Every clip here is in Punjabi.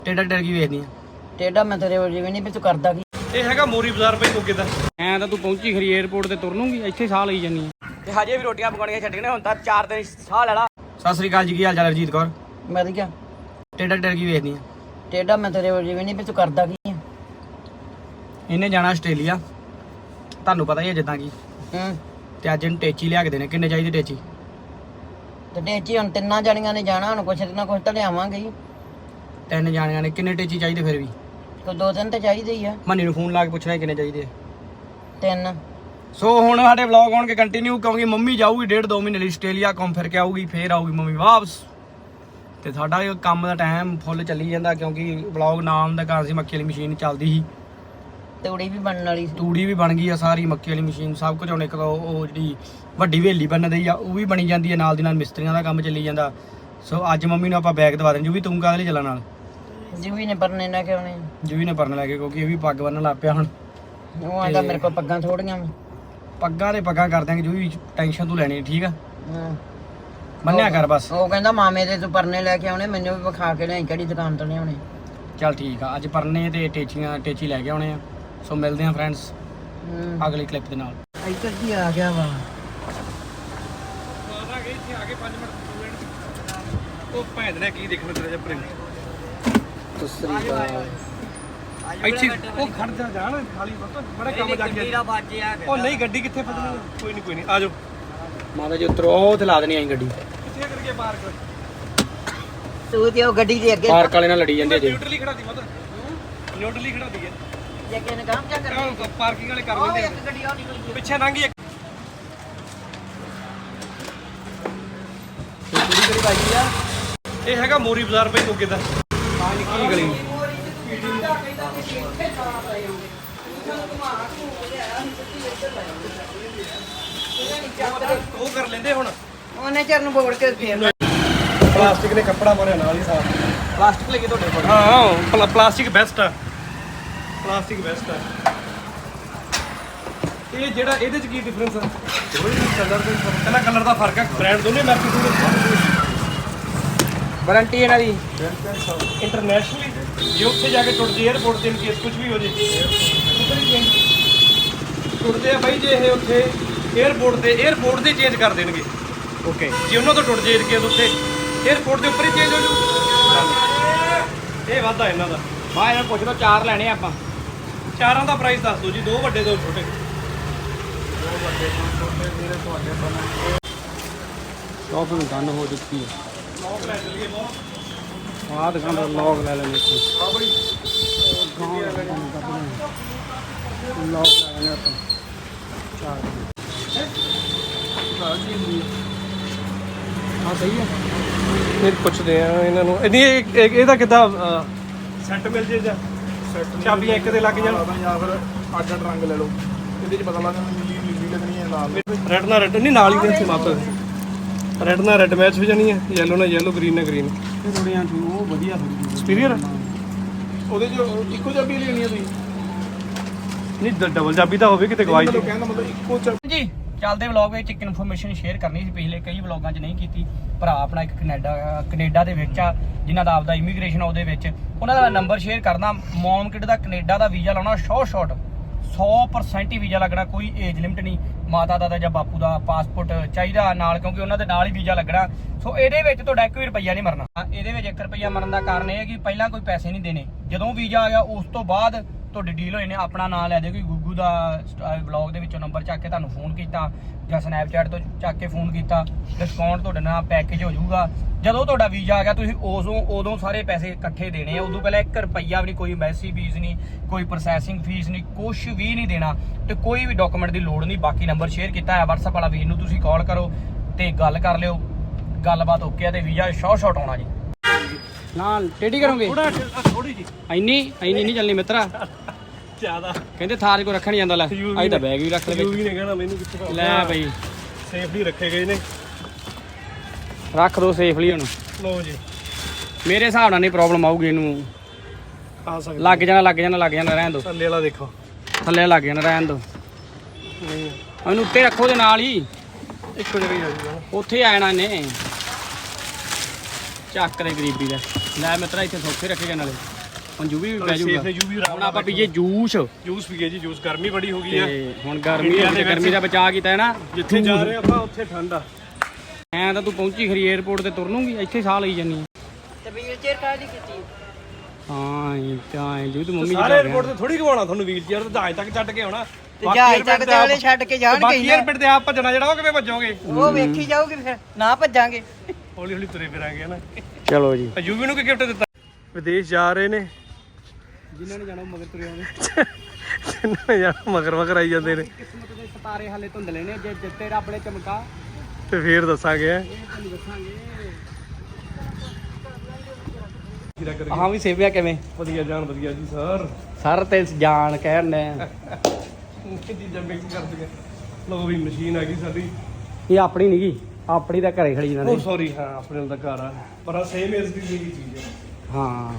ਟੇਡਾ ਟੇਡ ਕੀ ਵੇਚਦੀ ਆ? ਟੇਡਾ ਮੈਂ ਤੇਰੇ ਜਿਵੇਂ ਨਹੀਂ ਵੀ ਤੂੰ ਕਰਦਾ ਕੀ। ਇਹ ਹੈਗਾ ਮੋਰੀ ਬਾਜ਼ਾਰ ਪਈ ਮੋਗੇ ਦਾ। ਐਂ ਤਾਂ ਤੂੰ ਪਹੁੰਚੀ ਖਰੀ 에어ਪੋਰਟ ਤੇ ਤੁਰਨੂਗੀ, ਇੱਥੇ ਸਾਹ ਲਈ ਜਾਨੀ ਆ ਤੇ ਹਜੇ ਵੀ ਰੋਟੀਆਂ ਪਕਾਉਣੀਆਂ ਛੱਡੀਆਂ। ਹੁਣ ਤਾਂ 4 ਦਿਨ ਸਾਹ ਲੈ ਲਾ। ਸਤਿ ਸ੍ਰੀ ਅਕਾਲ ਜੀ, ਕੀ ਹਾਲ ਚਾਲ ਰਜੀਤ ਕੌਰ? ਵਧੀਆ। ਟੇਡਾ ਟੇਡ ਕੀ ਵੇਚਦੀ ਆ? ਟੇਡਾ ਮੈਂ ਤੇਰੇ ਜਿਵੇਂ ਨਹੀਂ ਵੀ ਤੂੰ ਕਰਦਾ ਕੀ ਆ। ਇਹਨੇ ਜਾਣਾ ਆਸਟ੍ਰੇਲੀਆ, ਤੁਹਾਨੂੰ ਪਤਾ ਹੀ ਹੈ ਜਿੱਦਾਂ ਕੀ। ਤੇ ਅੱਜ ਇਹਨੂੰ ਟੇਚੀ ਲਿਆ ਕੇ ਦੇਣੇ। ਕਿੰਨੇ ਚਾਹੀਦੇ ਟੇਚੀ? ਤੇ ਟੇਚੀ ਹੁਣ ਤਿੰਨਾਂ ਜਾਣੀਆਂ ਨੇ ਜਾਣਾ, ਹੁਣ ਕੁਛ ਨਾ ਕੁਛ ਤਾਂ ਲਿਆਵਾਂਗੇ ਹੀ। 3 ਜਾਣੀਆਂ ਨੇ, ਕਿੰਨੇ ਟੇਚੀ ਚਾਹੀਦੇ ਫਿਰ ਵੀ? ਕੋਈ 2-3 ਤਾਂ ਚਾਹੀਦੇ ਹੀ ਆ। ਮੰਨੀ ਨੂੰ ਫੋਨ ਲਾ ਕੇ ਪੁੱਛਣਾ ਕਿੰਨੇ ਚਾਹੀਦੇ ਆ। 3। ਸੋ ਹੁਣ ਸਾਡੇ ਵਲੌਗ ਆਉਣਗੇ ਕੰਟੀਨਿਊ, ਕਿਉਂਕਿ ਮੰਮੀ ਜਾਊਗੀ 1.5-2 ਮਹੀਨੇ ਲਈ ਆਸਟ੍ਰੇਲੀਆ, ਘੁੰਮ ਫਿਰ ਕੇ ਆਊਗੀ, ਫੇਰ ਆਊਗੀ ਮੰਮੀ ਵਾਪਸ। ਤੇ ਸਾਡਾ ਇਹ ਕੰਮ ਦਾ ਟਾਈਮ ਫੁੱਲ ਚੱਲੀ ਜਾਂਦਾ, ਕਿਉਂਕਿ ਵਲੌਗ ਨਾਮ ਦਾ ਕਾਰਨ ਸੀ ਮੱਕੀ ਵਾਲੀ ਮਸ਼ੀਨ ਚੱਲਦੀ ਸੀ। ਤੂੜੀ ਵੀ ਬਣਨ ਵਾਲੀ ਸੀ। ਤੂੜੀ ਵੀ ਬਣ ਗਈ ਆ ਸਾਰੀ, ਮੱਕੀ ਵਾਲੀ ਮਸ਼ੀਨ ਸਭ ਕੁਝ। ਹੁਣ ਇੱਕ ਉਹ ਜਿਹੜੀ ਵੱਡੀ ਹਵੇਲੀ ਬਣਦੀ ਆ ਉਹ ਵੀ ਬਣੀ ਜਾਂਦੀ ਹੈ, ਨਾਲ ਦੀ ਨਾਲ ਮਿਸਤਰੀਆਂ ਦਾ ਕੰਮ ਚੱਲੀ ਜਾਂਦਾ। ਸੋ ਅੱਜ ਮੰਮੀ ਨੂੰ ਆਪਾਂ ਬੈਗ ਦਵਾ ਦੇਣ। ਜੂ ਵੀ ਤੂੰ ਕਾਹਦੇ ਲਈ ਚੱਲਣ ਨਾਲ? ਜੂਵੀ ਨੇ ਪਰਨੇ ਲੈ ਕੇ ਆਉਣੇ। ਜੂਵੀ ਨੇ ਪਰਨ ਲੈ ਕੇ, ਕਿਉਂਕਿ ਇਹ ਵੀ ਪੱਗ ਬੰਨਣ ਲੱਗ ਪਿਆ ਹੁਣ। ਉਹ ਆਂਦਾ ਮੇਰੇ ਕੋਲ ਪੱਗਾਂ ਥੋੜੀਆਂ ਵਾ। ਪੱਗਾਂ ਤੇ ਪੱਗਾਂ ਕਰ ਦਿਆਂਗੇ, ਜੂਵੀ ਟੈਨਸ਼ਨ ਤੂੰ ਲੈਣੀ ਠੀਕ ਆ। ਹਾਂ ਮੰਨਿਆ ਕਰ ਬਸ। ਉਹ ਕਹਿੰਦਾ ਮਾਮੇ ਦੇ ਤੂੰ ਪਰਨੇ ਲੈ ਕੇ ਆਉਣੇ, ਮੈਨੂੰ ਵੀ ਵਿਖਾ ਕੇ ਲਿਆਈ ਕਿਹੜੀ ਦੁਕਾਨ ਤੋਂ ਲਿਆਉਣੇ। ਚੱਲ ਠੀਕ ਆ, ਅੱਜ ਪਰਨੇ ਤੇ ਟੇਚੀ ਲੈ ਕੇ ਆਉਣੇ ਆ। ਸੋ ਮਿਲਦੇ ਆ ਫਰੈਂਡਸ ਅਗਲੀ ਕਲਿੱਪ ਦੇ ਨਾਲ। ਇੱਧਰ ਕੀ ਆ ਗਿਆ ਵਾ। ਇੱਥੇ ਆ ਕੇ 5 ਮਿੰਟ ਉਹ ਭੈਣ ਨੇ ਕੀ ਦੇਖਣਾ ਤੇਰਾ ਜਿਹਾ ਪ੍ਰਿੰਟ। ਇੱਥੇ ਉਹ ਖੜ ਜਾ ਜਾਣ ਖਾਲੀ ਬੜਾ ਕੰਮ ਜਾ ਕੇ। ਉਹ ਨਹੀਂ ਗੱਡੀ ਕਿੱਥੇ ਫਸਣੀ? ਕੋਈ ਨਹੀਂ ਆ ਜਾਓ ਮਾਤਾ ਜੀ ਉਤਰੋ, ਉਹ ਤੇ ਲਾ ਦੇਣੀ ਆਈ ਗੱਡੀ। ਕਿੱਥੇ ਕਰਕੇ ਪਾਰਕ? ਤੂੰ ਤੇ ਉਹ ਗੱਡੀ ਦੇ ਅੱਗੇ ਪਾਰਕ ਵਾਲੇ ਨਾਲ ਲੜੀ ਜਾਂਦੇ ਜੇ। ਨਿਊਟਰਲੀ ਖੜਾ ਦੀ ਮਤਲਬ ਨਿਊਟਰਲੀ ਖੜਾ ਦੀ ਹੈ। ਜੇ ਕਿਸੇ ਨੇ ਕੰਮ ਕਿਆ ਕਰਨਾ। ਪਾਰਕਿੰਗ ਵਾਲੇ ਕਰ ਲੈਂਦੇ ਇੱਕ ਗੱਡੀ ਆ ਨਿਕਲ ਗਈ। ਪਿੱਛੇ ਲੰਘੀ ਇੱਕ। ਕੁੜੀ ਕਿਹੜੀ ਬਾਜੀ ਆ? ਇਹ ਹੈਗਾ ਮੋਰੀ ਬਾਜ਼ਾਰ ਪਈ ਮੋਗੇ ਦਾ। ਆ ਨਿੱਕੀ ਗਲੀ। ਉਹ ਕਰ ਲੈਂਦੇ ਹੁਣ। ਉਹਨੇ ਚਰਨ ਬੋੜ ਕੇ ਫੇਰ ਪਲਾਸਟਿਕ ਨੇ ਕੱਪੜਾ ਮਾਰਿਆ ਨਾਲ ਹੀ ਸਾਫ। ਪਲਾਸਟਿਕ ਲੱਗੇ ਤੁਹਾਡੇ ਕੋਲ? ਹਾਂ ਪਲਾਸਟਿਕ ਬੈਸਟ ਆ। ਪਲਾਸਟਿਕ ਬੈਸਟ ਆ। ਇਹ ਜਿਹੜਾ ਇਹਦੇ ਚ ਕੀ ਡਿਫਰੈਂਸ ਆ? ਕਲਰ ਦਾ ਪਹਿਲਾ ਕਲਰ ਦਾ ਫਰਕ ਆ। ਬ੍ਰਾਂਡ ਦੋਨੇ ਮੈਚ ਵਾਰੰਟੀ ਇਹਨਾਂ ਦੀ ਇੰਟਰਨੈਸ਼ਨਲੀ। ਜੇ ਉੱਥੇ ਜਾ ਕੇ ਟੁੱਟ ਜੇ 에어ਪੋਰਟ ਤੇ ਕੇਸ ਕੁਝ ਵੀ ਹੋ ਜੇ ਟੁੱਟਦੇ ਆ ਬਾਈ। ਜੇ ਇਹ ਉੱਥੇ 에어ਪੋਰਟ ਦੇ ਚੇਂਜ ਕਰ ਦੇਣਗੇ। ਓਕੇ, ਜੇ ਉਹਨਾਂ ਤੋਂ ਟੁੱਟ ਜੇ ਕੇਸ ਉੱਥੇ 에어ਪੋਰਟ ਦੇ ਉੱਪਰ ਹੀ ਚੇਂਜ ਹੋ ਜੂ। ਇਹ ਵਾਧਾ ਇਹਨਾਂ ਦਾ। ਹਾਂ ਇਹਨਾਂ ਪੁੱਛ ਲਓ, 4 ਲੈਣੇ ਆਪਾਂ। ਚਾਰਾਂ ਦਾ ਪ੍ਰਾਈਸ ਦੱਸ ਦਿਓ ਜੀ। 2 ਵੱਡੇ 2 ਛੋਟੇ। ਸ਼ਾਪਿੰਗ ਡਨ ਹੋ ਚੁੱਕੀ ਹੈ। ਲੌਕ ਲੈ ਚਲੀਏ ਬਹੁਤ। ਆਹ ਦੁਕਾਨ ਦਾ ਲੌਗ ਲੈ ਲੈਣੇ ਇੱਥੇ। ਹਾਂ ਬਈ ਲੌਗ ਲੈ ਲੈਣੇ ਆਪਾਂ 4। ਹਾਂ ਸਹੀ ਹੈ। ਫਿਰ ਪੁੱਛਦੇ ਆ ਇਹਨਾਂ ਨੂੰ। ਇਹਦਾ ਕਿੱਦਾਂ ਸੈੱਟ ਮਿਲ ਜੇ ਜਾਂ ਚਾਬੀਆਂ ਇੱਕ ਦੇ ਲੱਗ ਜਾਣ ਜਾਂ ਫਿਰ ਅੱਡ ਰੰਗ ਲੈ ਲਓ। ਇਹਦੇ ਚ ਪਤਾ ਲੱਗਦਾ ਨੀਲੀ ਲੱਗਣੀ ਹੈ, ਲਾਲ। ਰੈਡ ਨਾਲ ਰੈਡ ਨਹੀਂ, ਨਾਲ ਹੀ ਦੇ ਮਾਪੇ। ਰੈਡ ਨਾਲ ਰੈਡ ਮੈਚ ਹੋ ਜਾਣੀ ਹੈ, ਯੈਲੋ ਨਾਲ ਯੈਲੋ, ਗ੍ਰੀਨ ਨਾਲ ਗ੍ਰੀਨ। ਇਹ ਥੋੜੀਆਂ ਉਹ ਵਧੀਆ ਥੋੜੀ ਸੁਪੀਰੀਅਰ ਉਹਦੇ ਚ ਇੱਕੋ ਚਾਬੀ ਲੈਣੀ ਹੈ ਤੁਸੀਂ? ਨਹੀਂ ਡਬਲ ਚਾਬੀ ਤਾਂ ਹੋਵੇ ਕਿਤੇ ਗਵਾਈ ਦੀ। ਕਹਿੰਦਾ ਮਤਲਬ ਇੱਕੋ ਚਾਬੀ। ਜੀ ਚੱਲਦੇ ਵਲੌਗ ਵਿੱਚ ਇੱਕ ਇਨਫੋਰਮੇਸ਼ਨ ਸ਼ੇਅਰ ਕਰਨੀ ਸੀ। ਪਿਛਲੇ ਕਈ ਵਲੌਗਾਂ 'ਚ ਨਹੀਂ ਕੀਤੀ। ਭਰਾ ਆਪਣਾ ਇੱਕ ਕੈਨੇਡਾ ਦੇ ਵਿੱਚ ਆ, ਜਿਨ੍ਹਾਂ ਦਾ ਆਪਦਾ ਇਮੀਗ੍ਰੇਸ਼ਨ ਉਹਦੇ ਵਿੱਚ। ਉਹਨਾਂ ਦਾ ਨੰਬਰ ਸ਼ੇਅਰ ਕਰਨਾ। ਮੌਮ ਕਿਡ ਦਾ ਕੈਨੇਡਾ ਦਾ ਵੀਜ਼ਾ ਲਾਉਣਾ ਸ਼ਾਰਟ 100% ਹੀ ਵੀਜ਼ਾ ਲੱਗਣਾ। ਕੋਈ ਏਜ ਲਿਮਟ ਨਹੀਂ। ਮਾਤਾ ਦਾ ਜਾਂ ਬਾਪੂ ਦਾ ਪਾਸਪੋਰਟ ਚਾਹੀਦਾ ਨਾਲ, ਕਿਉਂਕਿ ਉਹਨਾਂ ਦੇ ਨਾਲ ਹੀ ਵੀਜ਼ਾ ਲੱਗਣਾ। ਸੋ ਇਹਦੇ ਵਿੱਚ ਤੁਹਾਡਾ 1 ਵੀ ਰੁਪਈਆ ਨਹੀਂ ਮਰਨਾ। ਇਹਦੇ ਵਿੱਚ 1 ਰੁਪਈਆ ਮਰਨ ਦਾ ਕਾਰਨ ਇਹ ਹੈ ਕਿ ਪਹਿਲਾਂ ਕੋਈ ਪੈਸੇ ਨਹੀਂ ਦੇਣੇ। ਜਦੋਂ ਵੀਜ਼ਾ ਆ ਗਿਆ ਉਸ ਤੋਂ ਬਾਅਦ ਤੁਹਾਡੀ ਡੀਲ ਹੋਈ ਨੇ। ਆਪਣਾ ਨਾਂ ਲੈ ਦਿਓ ਕਿ ਗੁੱਗੂ ਦਾ ਵਲੌਗ ਦੇ ਵਿੱਚੋਂ ਨੰਬਰ ਚੱਕ ਕੇ ਤੁਹਾਨੂੰ ਫੋਨ ਕੀਤਾ ਜਾਂ ਸਨੈਪਚੈਟ ਤੋਂ ਚੱਕ ਕੇ ਫੋਨ ਕੀਤਾ। ਡਿਸਕਾਊਂਟ ਤੁਹਾਡੇ ਨਾਲ ਪੈਕੇਜ ਹੋ ਜਾਊਗਾ। ਜਦੋਂ ਤੁਹਾਡਾ ਵੀਜ਼ਾ ਆ ਗਿਆ ਤੁਸੀਂ ਉਦੋਂ ਸਾਰੇ ਪੈਸੇ ਇਕੱਠੇ ਦੇਣੇ ਆ। ਉਦੋਂ ਪਹਿਲਾਂ 1 ਰੁਪਈਆ ਵੀ ਨਹੀਂ, ਕੋਈ ਐਮਬੈਸੀ ਫੀਸ ਨਹੀਂ, ਕੋਈ ਪ੍ਰੋਸੈਸਿੰਗ ਫੀਸ ਨਹੀਂ, ਕੁਛ ਵੀ ਨਹੀਂ ਦੇਣਾ ਤੇ ਕੋਈ ਵੀ ਡਾਕੂਮੈਂਟ ਦੀ ਲੋੜ ਨਹੀਂ। ਬਾਕੀ ਨੰਬਰ ਸ਼ੇਅਰ ਕੀਤਾ ਹੈ WhatsApp ਵਾਲਾ, ਵੀਰ ਨੂੰ ਤੁਸੀਂ ਕਾਲ ਕਰੋ ਤੇ ਗੱਲ ਕਰ ਲਿਓ। ਗੱਲਬਾਤ ਓਕੇ ਆ ਤੇ ਵੀਜ਼ਾ ਸ਼ਾਰਟ ਆਉਣਾ ਜੀ। ਨਾ ਟੇਢੀ ਕਰੋਗੇ ਥੋੜੀ ਜੀ ਇੰਨੀ ਨਹੀਂ ਚੱਲਣੀ ਮਿੱਤਰਾ। ਜ਼ਿਆਦਾ ਕਹਿੰਦੇ ਥਾਰ ਕੋ ਰੱਖਣ ਜਾਂਦਾ। ਲੈ ਅੱਜ ਤਾਂ ਬੈਗ ਵੀ ਰੱਖ ਲੈ ਵੀ ਨੇ ਕਹਿਣਾ ਮੈਨੂੰ ਕਿੱਥੇ ਲੈ ਬਈ ਸੇਫਲੀ ਰੱਖੇ ਗਏ ਨੇ। ਰੱਖ ਦੋ ਸੇਫਲੀ। ਹੁਣ ਲਓ ਜੀ, ਮੇਰੇ ਹਿਸਾਬ ਨਾਲ ਨਹੀਂ ਪ੍ਰੋਬਲਮ ਆਊਗੀ ਇਹਨੂੰ। ਆ ਸਕਦੇ ਲੱਗ ਜਾਣਾ ਰਹਿਣ ਦੋ। ਥੱਲੇ ਵਾਲਾ ਦੇਖੋ, ਥੱਲੇ ਲੱਗ ਜਾਣਾ ਰਹਿਣ ਦੋ। ਨਹੀਂ ਇਹਨੂੰ ਉੱਤੇ ਰੱਖੋ ਦੇ ਨਾਲ ਹੀ, ਇੱਕੋ ਜਗ੍ਹਾ ਹੀ ਆ ਜੂਗਾ। ਉੱਥੇ ਆ ਜਾਣਾ ਇਹਨੇ। ਚੱਕ ਦੇ ਗਰੀਬੀ ਦਾ। ਲੈ ਮਿੱਤਰਾ ਇੱਥੇ ਸੌਖੇ ਰੱਖੇ ਗਏ ਨਾਲੇ ਹੁਣ ਜੂਵੀ ਵੀ ਪੈ ਸੇਫ ਜਾਊਗਾ ਨੇ ਜੂ ਵੀ ਹੁਣ ਆਪਾਂ ਪੀਏ ਜੂਸ ਜੂਸ ਪੀਏ ਜੀ ਜੂਸ ਗਰਮੀ ਬੜੀ ਹੋ ਗਈ ਆ ਤੇ ਹੁਣ ਗਰਮੀ ਦਾ ਬਚਾਅ ਕੀਤਾ ਹੈ ਨਾ ਜਿੱਥੇ ਜਾ ਰਹੇ ਆਪਾਂ ਉੱਥੇ ਠੰਡ ਆ ਐਂ ਤਾਂ ਤੂੰ ਪਹੁੰਚੀ ਖਰੀ 에어ਪੋਰਟ ਤੇ ਤੁਰ ਲੂੰਗੀ ਇੱਥੇ ਸਾਹ ਲਈ ਜਾਨੀ ਤੇ ਵੀਲ ਚੇਅਰ ਕਾਹਦੀ ਕੀਤੀ ਹਾਂ ਜੀ ਤੂੰ ਮੰਮੀ ਸਾਰੇ 에어ਪੋਰਟ ਤੇ ਥੋੜੀ ਘਵਾਉਣਾ ਤੁਹਾਨੂੰ ਵੀਲ ਚੇਅਰ ਤੇ ਜਹਾਜ਼ ਤੱਕ ਛੱਡ ਕੇ ਆਉਣਾ ਤੇ ਜਹਾਜ਼ ਤੱਕ ਤੇ ਵਾਲੇ ਛੱਡ ਕੇ ਜਾਣਗੇ ਬਾਕੀ 에어ਪੋਰਟ ਤੇ ਆਪ ਭੱਜਣਾ ਜਿਹੜਾ ਉਹ ਕਿਵੇਂ ਭੱਜੋਗੇ ਉਹ ਵੇਖੀ ਜਾਊਗੀ ਫਿਰ ਨਾ ਭੱਜਾਂਗੇ ਹੌਲੀ ਹੌਲੀ ਤੁਰੇ ਫਿਰਾਂਗੇ ਨਾ ਚਲੋ ਜੀ ਯੂਵੀ ਨੂੰ ਕੀ ਗਿਫਟ ਦਿੱਤਾ ਵਿਦੇਸ਼ ਜਾ ਰਹੇ ਨੇ ਜਿਨ੍ਹਾਂ ਨੇ ਜਾਣਾ ਮਗਰ ਤੁਰੇ ਆਉਂਦੇ ਜਿੰਨਾਂ ਨੇ ਜਾਣਾ ਮਗਰ ਆਈ ਜਾਂਦੇ ਨੇ ਕਿਸਮਤ ਦੇ ਸਿਤਾਰੇ ਹਾਲੇ ਧੁੰਦਲੇ ਨੇ ਜੇ ਦਿੱਤੇ ਰੱਬ ਨੇ ਚਮਕਾ ਤੇ ਫੇਰ ਦੱਸਾਂਗੇ ਇਹ ਤੁਹਾਨੂੰ ਦੱਸਾਂਗੇ ਹਾਂ ਵੀ ਸੇਵਿਆ ਕਿਵੇਂ ਵਧੀਆ ਜਾਨ ਵਧੀਆ ਜੀ ਸਰ ਤੇ ਜਾਣ ਕਹਿਣ ਨੇ ਚੀਜ਼ਾਂ ਮਿਕਸ ਕਰਦੇ ਲੋ ਵੀ ਮਸ਼ੀਨ ਆ ਗਈ ਸਾਡੀ ਇਹ ਆਪਣੀ ਨਹੀਂ ਗਈ ਆਪਣੀ ਤਾਂ ਘਰੇ ਖੜੀ ਇਹਨਾਂ ਉਹ ਦੇ ਸੌਰੀ ਹਾਂ ਆਪਣੇ ਨਾਲ ਤਾਂ ਘਰ ਆ ਪਰ ਆ ਸੇਮ ਇਸ ਦੀ ਜਿਹੜੀ ਚੀਜ਼ ਹੈ ਹਾਂ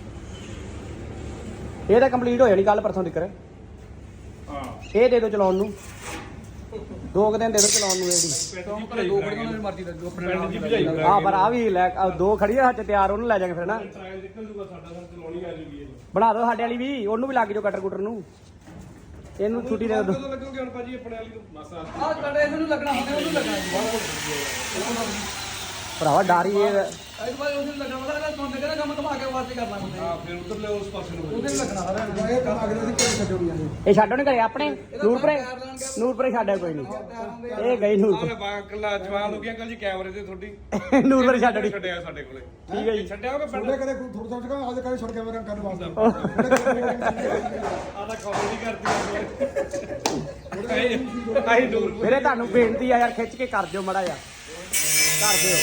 ਇਹ ਤਾਂ ਕੰਪਲੀਟ ਹੋ ਜਾਣੀ ਕੱਲ ਪਰਸੋਂ ਤੱਕ ਹਾਂ ਇਹ ਦੇ ਦਿਓ ਚਲਾਉਣ ਨੂੰ 2 ਦਿਨ ਦੇ ਦਿਓ ਚਲਾਉਣ ਨੂੰ ਇਹਦੀ ਪਿੰਡ ਦੀ ਭਜਾਈ ਆ ਪਰ ਆ ਵੀ ਲੈ 2 ਖੜੀ ਆ ਹੱਥ ਤਿਆਰ ਉਹਨੂੰ ਲੈ ਜਾਗੇ ਫਿਰ ਨਾ ਟ੍ਰਾਇਲ ਨਿਕਲ ਜੂਗਾ ਸਾਡਾ ਸਰ ਚਲਾਉਣੀ ਆ ਜੂਗੀ ਇਹ ਬਣਾ ਦਿਓ ਸਾਡੇ ਵਾਲੀ ਵੀ ਉਹਨੂੰ ਵੀ ਲੱਗ ਜਾਓ ਕਟਰ ਕੁਟਰ ਨੂੰ ਇਹਨੂੰ ਛੁੱਟੀ ਦੇ ਦਿਓ ਕਦੋਂ ਲੱਗੋਗੇ ਹੁਣ ਭਾਜੀ ਆਪਣੇ ਵਾਲੀ ਨੂੰ ਬਸ ਆ ਭਰਾਵਾ ਡਾਰੀ ਇਹ ਹਾਂ ਫਿਰ ਉਧਰਲੇ ਉਸ ਪਾਸੇ ਨੂੰ ਇਹ ਛੱਡੋ ਨਹੀਂ ਘਰੇ ਆਪਣੇ ਨੂਰਪੁਰੇ ਛੱਡਿਆ ਕੋਈ ਨਹੀਂ ਇਹ ਗਈ ਨੂਰਪੁਰ ਆਹ ਬਾਕਲਾ ਜਵਾਨ ਹੋ ਗਿਆ ਅੰਕਲ ਜੀ ਕੈਮਰੇ ਤੇ ਤੁਹਾਡੀ ਨੂਰਪੁਰ ਛੱਡਣੀ ਛੱਡਿਆ ਸਾਡੇ ਕੋਲੇ ਠੀਕ ਹੈ ਜੀ ਛੱਡਿਆ ਹੋਗਾ ਪਿੰਡ ਕਦੇ ਥੋੜਾ ਥੋੜਾ ਜਿਹਾ ਅੱਜ ਕਦੇ ਛੋੜ ਕੇ ਮੇਰਾ ਕਰਨ ਵਾਸਤੇ ਆਦਾ ਕਾਲ ਨਹੀਂ ਕਰਦੀ ਆਹੀ ਦੂਰ ਵੀਰੇ ਤੁਹਾਨੂੰ ਬੇਨਤੀ ਆ ਯਾਰ ਖਿੱਚ ਕੇ ਕਰ ਦਿਓ ਮੜਾ ਜਾ ਕਰ ਦਿਓ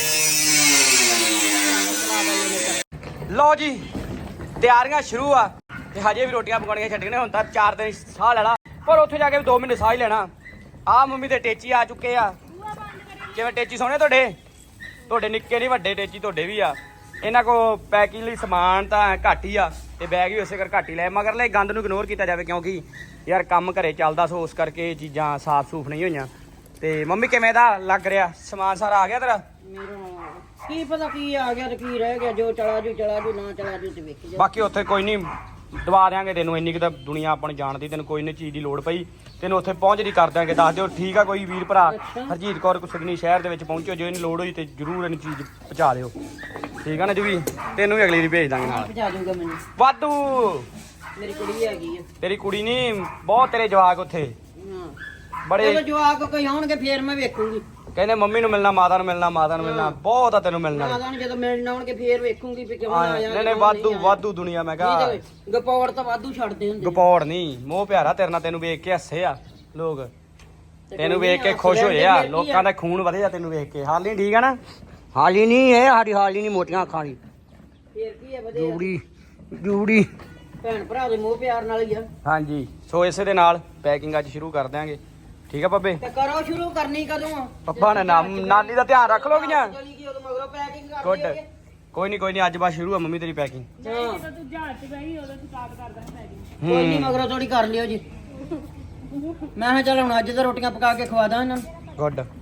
ਲਓ ਜੀ ਤਿਆਰੀਆਂ ਸ਼ੁਰੂ ਆ ਤੇ ਹਜੇ ਵੀ ਰੋਟੀਆਂ ਪਕਾਉਣੀਆਂ ਛੱਡੀਆਂ ਨੇ ਹੁਣ ਤਾਂ 4 ਦਿਨ ਸਾਹ ਲੈਣਾ ਪਰ ਉੱਥੇ ਜਾ ਕੇ ਵੀ 2 ਮਹੀਨੇ ਸਾਹ ਹੀ ਲੈਣਾ ਆ ਮੰਮੀ ਦੇ ਟੇਚੀ ਆ ਚੁੱਕੇ ਆ ਕਿਵੇਂ ਟੇਚੀ ਸੋਹਣੇ ਤੁਹਾਡੇ ਨਿੱਕੇ ਨਹੀਂ ਵੱਡੇ ਟੇਚੀ ਤੁਹਾਡੇ ਵੀ ਆ ਇਹਨਾਂ ਕੋ ਪੈਕਿੰਗ ਲਈ ਸਮਾਨ ਤਾਂ ਘੱਟ ਹੀ ਆ ਤੇ ਬੈਗ ਵੀ ਉਸੇ ਕਰ ਘੱਟ ਹੀ ਲੈ ਮਗਰ ਲੈ ਗੰਦ ਨੂੰ ਇਗਨੋਰ ਕੀਤਾ ਜਾਵੇ ਕਿਉਂਕਿ ਯਾਰ ਕੰਮ ਘਰੇ ਚੱਲਦਾ ਸੋ ਉਸ ਕਰਕੇ ਇਹ ਚੀਜ਼ਾਂ ਸਾਫ਼ ਸੂਫ ਨਹੀਂ ਹੋਈਆਂ ਤੇ ਮੰਮੀ ਕਿਵੇਂ ਦਾ ਲੱਗ ਰਿਹਾ ਸਮਾਨ ਸਾਰਾ ਆ ਗਿਆ ਤੇਰਾ ਮੇਰਾ ਕੀ ਪਤਾ ਕੀ ਆ ਗਿਆ ਤੇ ਕੀ ਰਹਿ ਗਿਆ ਜੋ ਚਲਾ ਜੂ ਨਾ ਚਲਾ ਜੂ ਤੇ ਵੇਖੀ ਜਾ ਬਾਕੀ ਉੱਥੇ ਕੋਈ ਨਹੀਂ ਦਵਾ ਦਿਆਂਗੇ ਤੈਨੂੰ ਇੰਨੀ ਕਿ ਤਾਂ ਦੁਨੀਆ ਆਪਾਂ ਨੂੰ ਜਾਣਦੀ ਤੈਨੂੰ ਕੋਈ ਨਹੀਂ ਚੀਜ਼ ਦੀ ਲੋੜ ਪਈ ਤੈਨੂੰ ਉੱਥੇ ਪਹੁੰਚਦੀ ਕਰ ਦਿਆਂਗੇ ਦੱਸ ਦਿਓ ਠੀਕ ਆ ਕੋਈ ਵੀਰ ਭਰਾ ਹਰਜੀਤ ਕੌਰ ਕੁਸਗਨੀ ਸ਼ਹਿਰ ਦੇ ਵਿੱਚ ਪਹੁੰਚੋ ਜੇ ਇਹਨੂੰ ਲੋੜ ਹੋਈ ਤੇ ਜ਼ਰੂਰ ਇਹਨੂੰ ਚੀਜ਼ ਪਹੁੰਚਾ ਦਿਓ ਠੀਕ ਆ ਨਾ ਜੀ ਵੀ ਤੈਨੂੰ ਵੀ ਅਗਲੀ ਦੀ ਭੇਜ ਦਾਂਗੇ ਨਾਲ ਪਹੁੰਚਾ ਦੂੰਗਾ ਮੈਨੂੰ ਵਾਧੂ ਮੇਰੀ ਕੁੜੀ ਹੈਗੀ ਆ ਤੇਰੀ ਕੁੜੀ ਨਹੀਂ ਬਹੁਤ ਤੇਰੇ ਜਵਾਕ ਉੱਥੇ ਹਾਂ ਬੜੇ ਜਦੋਂ ਜਵਾਕ ਕੋਈ ਆਉਣਗੇ ਫੇਰ ਮੈਂ ਵੇਖੂੰਗੀ ਕਹਿੰਦੇ ਮੰਮੀ ਨੂੰ ਮਿਲਣਾ ਮਾਤਾ ਨੂੰ ਮਿਲਣਾ ਬਹੁਤ ਆ ਤੈਨੂੰ ਮਿਲਣਾ ਆਦਾਂ ਜਦੋਂ ਮਿਲਣ ਆਉਣਗੇ ਫੇਰ ਵੇਖੂੰਗੀ ਵੀ ਕਿਉਂ ਆਇਆ ਨਹੀਂ ਵਾਧੂ ਦੁਨੀਆ ਮੈਂ ਕਹਾ ਗਪੌੜ ਤਾਂ ਵਾਧੂ ਛੱਡਦੇ ਹੁੰਦੇ ਗਪੌੜ ਨਹੀਂ ਮੋਹ ਪਿਆਰਾ ਤੇਰੇ ਨਾਲ ਤੈਨੂੰ ਵੇਖ ਕੇ ਹੱਸੇ ਆ ਲੋਕ ਤੈਨੂੰ ਵੇਖ ਕੇ ਖੁਸ਼ ਹੋਏ ਆ ਲੋਕਾਂ ਦਾ ਖੂਨ ਵਧਿਆ ਤੈਨੂੰ ਵੇਖ ਕੇ ਹਾਲੀ ਠੀਕ ਆ ਨਾ ਹਾਲੀ ਨਹੀਂ ਇਹ ਸਾਡੀ ਹਾਲੀ ਨਹੀਂ ਮੋਟੀਆਂ ਅੱਖਾਂ ਦੀ ਫੇਰ ਕੀ ਹੈ ਵਧਿਆ ਜੂੜੀ ਭੈਣ ਭਰਾ ਦੇ ਮੋਹ ਪਿਆਰ ਨਾਲ ਹੀ ਆ ਹਾਂਜੀ ਸੋ ਇਸੇ ਦੇ ਨਾਲ ਪੈਕਿੰਗ ਅੱਜ ਸ਼ੁਰੂ ਕਰ ਦਿਆਂਗੇ ਠੀਕ ਆ ਬੱਬੇ ਤੇ ਕਰੋ ਸ਼ੁਰੂ ਕਰਨੀ ਕਦੋਂ ਆ ਪੱਪਾ ਨੇ ਨਾਨੀ ਦਾ ਧਿਆਨ ਰੱਖ ਲੋਗੀਆਂ ਚਲੀ ਗਈ ਉਦੋਂ ਮਗਰੋਂ ਪੈਕਿੰਗ ਕਰ ਗੁੱਡ ਲਈਏ। ਕੋਈ ਨਹੀਂ ਅੱਜ ਬਾਅਦ ਸ਼ੁਰੂ ਆ ਮੰਮੀ ਤੇਰੀ ਪੈਕਿੰਗ ਹਾਂ ਕੋਈ ਨਹੀਂ ਮਗਰੋਂ ਥੋੜੀ ਕਰ ਲਿਓ ਜੀ ਮੈਂ ਕਿਹਾ ਚੱਲ ਹੁਣ ਅੱਜ ਤਾਂ ਰੋਟੀਆਂ ਪਕਾ ਕੇ ਖਵਾ ਦਾਂ ਇਹਨਾਂ ਨੂੰ ਗੁੱਡ